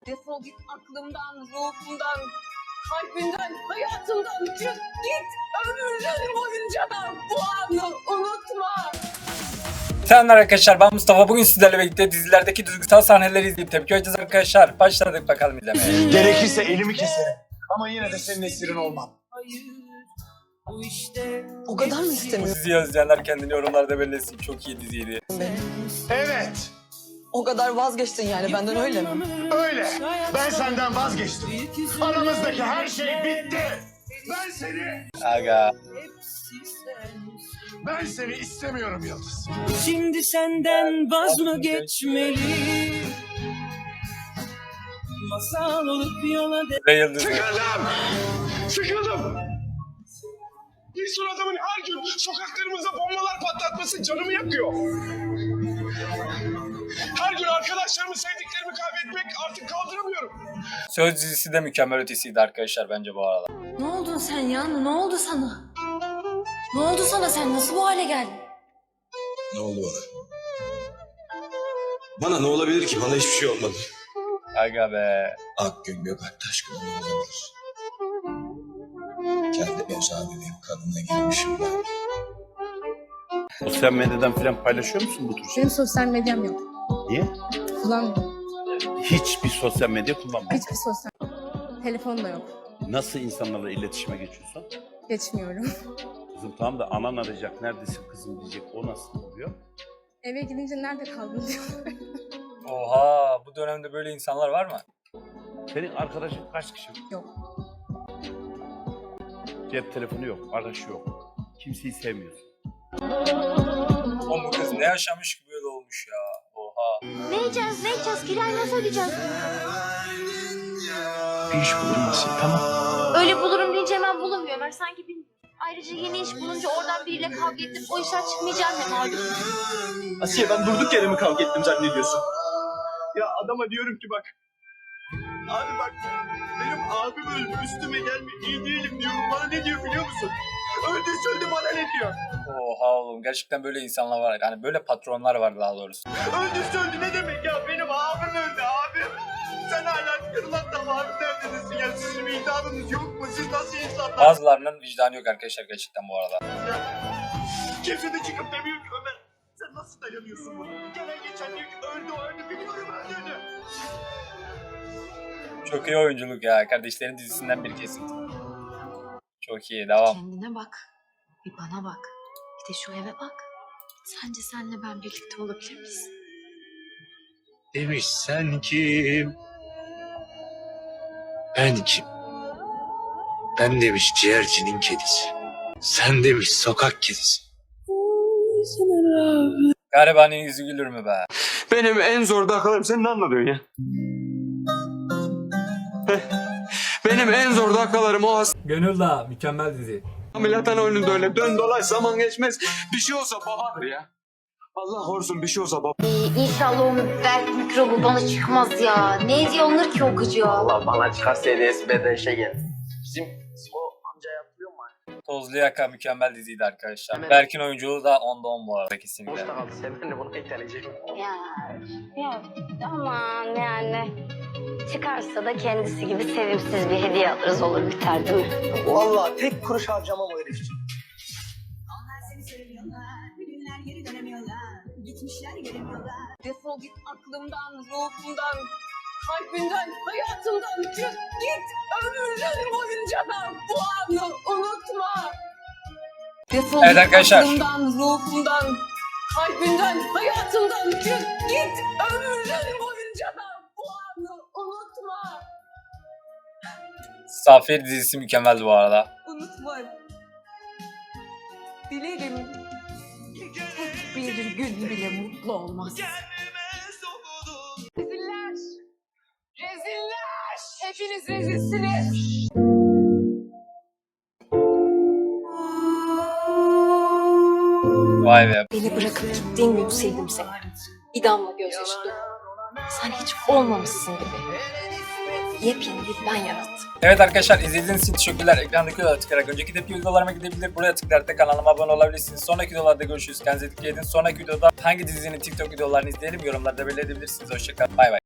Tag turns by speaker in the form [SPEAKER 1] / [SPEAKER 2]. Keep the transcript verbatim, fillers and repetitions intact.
[SPEAKER 1] Defol git aklımdan, ruhumdan, kalbimden, hayatımdan. Çık git ömrün boyunca da bu anı unutma.
[SPEAKER 2] Selamlar arkadaşlar, ben Mustafa. Bugün sizlerle birlikte dizilerdeki duygusal sahneleri izleyip tepki vereceğiz arkadaşlar. Başladık bakalım izlemeye.
[SPEAKER 3] Gerekirse elimi keserim. Ama yine de senin esirin olmam.
[SPEAKER 1] O kadar mı
[SPEAKER 2] Bu
[SPEAKER 1] istemiyorsun?
[SPEAKER 2] diziyi izleyenler kendini yorumlarda belirlesin. Çok iyi diziydi.
[SPEAKER 3] Evet,
[SPEAKER 1] O kadar vazgeçtin yani benden, öyle mi?
[SPEAKER 3] öyle. Ben senden vazgeçtim. Aramızdaki her şey bitti. Ben seni,
[SPEAKER 2] Aga.
[SPEAKER 3] ben seni istemiyorum Yıldız.
[SPEAKER 4] Şimdi senden vaz mı geçmeli? Masal olup yola de...
[SPEAKER 2] Ve Yıldız.
[SPEAKER 3] Sıkıldım. Sıkıldım. Bir sürü adamın her gün sokaklarımıza bombalar patlatması canımı yakıyor. Her gün arkadaşlarımı, sevdiklerimi kaybetmek artık kaldıramıyorum.
[SPEAKER 2] Söz dizisi de mükemmel ötesiydi arkadaşlar bence bu arada.
[SPEAKER 5] Ne oldun sen ya? Ne oldu sana? Ne oldu sana? Sen nasıl bu hale geldin?
[SPEAKER 6] Ne oldu bana? Bana ne olabilir ki? Bana hiçbir şey olmadı.
[SPEAKER 2] Aga be.
[SPEAKER 6] Akgün Gökalp Taşkın'a ne olabilir? Kendi ev sahibiyim, kadına girmişim ben.
[SPEAKER 7] Sosyal medyadan falan paylaşıyor musun bu tür şeyleri?
[SPEAKER 8] Benim sosyal medyam yok.
[SPEAKER 7] Niye?
[SPEAKER 8] Kullanmıyorum.
[SPEAKER 7] Hiçbir sosyal medya kullanmıyorum.
[SPEAKER 8] Hiçbir sosyal... Telefon da yok.
[SPEAKER 7] Nasıl insanlarla iletişime geçiyorsun?
[SPEAKER 8] Geçmiyorum.
[SPEAKER 7] Kızım tamam da anan arayacak, neredesin kızım diyecek, o nasıl oluyor?
[SPEAKER 8] Eve gidince nerede kaldın diyor.
[SPEAKER 2] Oha, bu dönemde böyle insanlar var mı?
[SPEAKER 7] Senin arkadaşın kaç kişi?
[SPEAKER 8] Yok.
[SPEAKER 7] Cep telefonu yok, arkadaşı yok. Kimseyi sevmiyorsun.
[SPEAKER 2] Oğlum bu kız ne yaşamış ki böyle olmuş ya. Oha.
[SPEAKER 5] Ne yiyeceğiz? Ne yiyeceğiz? Kirayı nasıl ödeyeceğiz?
[SPEAKER 3] Bir iş bulunmasın, tamam.
[SPEAKER 5] Öyle bulurum deyince hemen bulamıyor. Ben sanki bilmiyorum. Ayrıca yeni iş bulunca oradan biriyle kavga edip o işten çıkmayacağım ne malum.
[SPEAKER 9] Asiye, ben durduk yere mi kavga ettim zannediyorsun? Ya adama diyorum ki bak. Abi bak, benim abim öldü, üstüme gelme, iyi değilim diyorum. Bana ne diyor biliyor musun? Öldü söyledi, bana ne diyor?
[SPEAKER 2] Oha oğlum, gerçekten böyle insanlar var. Yani böyle patronlar var daha doğrusu.
[SPEAKER 9] Öldü söyledi ne demek ya? Benim abim öldü, abim. Sen hala kırılan damağın neredesin ya? Sizin vicdanınız yok mu? Siz nasıl insanlar?
[SPEAKER 2] Bazılarının vicdanı yok arkadaşlar gerçekten bu arada.
[SPEAKER 9] Kimse de çıkıp demiyor ki Ömer. Sen nasıl dayanıyorsun buna? Gelen geçen diyor ki öldü o öldü, biliyorum öldüğünü.
[SPEAKER 2] Çok iyi oyunculuk ya. Kardeşlerin dizisinden bir kesim. Çok iyi. Devam.
[SPEAKER 5] Kendine bak. Bir bana bak. Bir de şu eve bak. Sence senle ben birlikte olabilir miyiz?
[SPEAKER 3] Demiş sen kim? Ben kim? Ben demiş ciğercinin kedisi. Sen demiş sokak kedisi.
[SPEAKER 2] Garibanın yüzü gülür mü be?
[SPEAKER 9] Benim en zor dakikalarım, sen ne anladın ya? Benim en zor dakikalarım o
[SPEAKER 2] Gönül Dağı mükemmel dizi.
[SPEAKER 9] ameliyathane önünde öyle dön dolaş zaman geçmez. Bir şey olsa babadır ya. Allah korusun bir şey olsa baba.
[SPEAKER 5] İnşallah o belki mikrobu bana çıkmaz ya. Ne hediye alınır ki o gıcığa?
[SPEAKER 9] Allah bana çıkarsa hediyesi bedeşe gel. Bizim o amca yapıyor mu?
[SPEAKER 2] Tozlu Yaka mükemmel diziydi arkadaşlar. Berk'in oyunculuğu da onda on bu arada kesinlikle.
[SPEAKER 9] kaldı. Sen de bunu iteleyecek.
[SPEAKER 5] Ya, ya aman yani. Çıkarsa da kendisi gibi sevimsiz bir hediye alırız, olur biter değil mi?
[SPEAKER 9] Vallahi tek kuruş harcamam o herif için.
[SPEAKER 1] Defol git aklımdan, ruhumdan, kalbimden, hayatımdan. Çık git ömrün boyunca da bu anı unutma. Defol
[SPEAKER 2] Evet
[SPEAKER 1] git
[SPEAKER 2] arkadaşlar.
[SPEAKER 1] aklımdan, ruhumdan, kalbimden, hayatımdan. Çık git ömrün boyunca da bu anı unutma.
[SPEAKER 2] Safir dizisi mükemmeldi bu arada.
[SPEAKER 1] Unutma. Dilerim tek bir gün bile mutlu olmaz. Reziller! Reziller! Hepiniz rezilsiniz.
[SPEAKER 2] Vay be.
[SPEAKER 5] Beni bırakıp gittiğin gün sevdim seni. Bir damla gözyaşı dökmedim. Sen hiç olmamışsın gibi. Yepyeni bir ben yarattım.
[SPEAKER 2] Evet arkadaşlar, izlediğiniz için teşekkürler. Ekrandaki videolara tıklayarak önceki tepki videolarıma gidebilir. Buraya tıklayarak da kanalıma abone olabilirsiniz. Sonraki videolarda görüşürüz. Kendinize dikkat edin. Sonraki videoda hangi dizinin TikTok videolarını izleyelim yorumlarda belirtebilirsiniz. Hoşçakalın. Bay bay.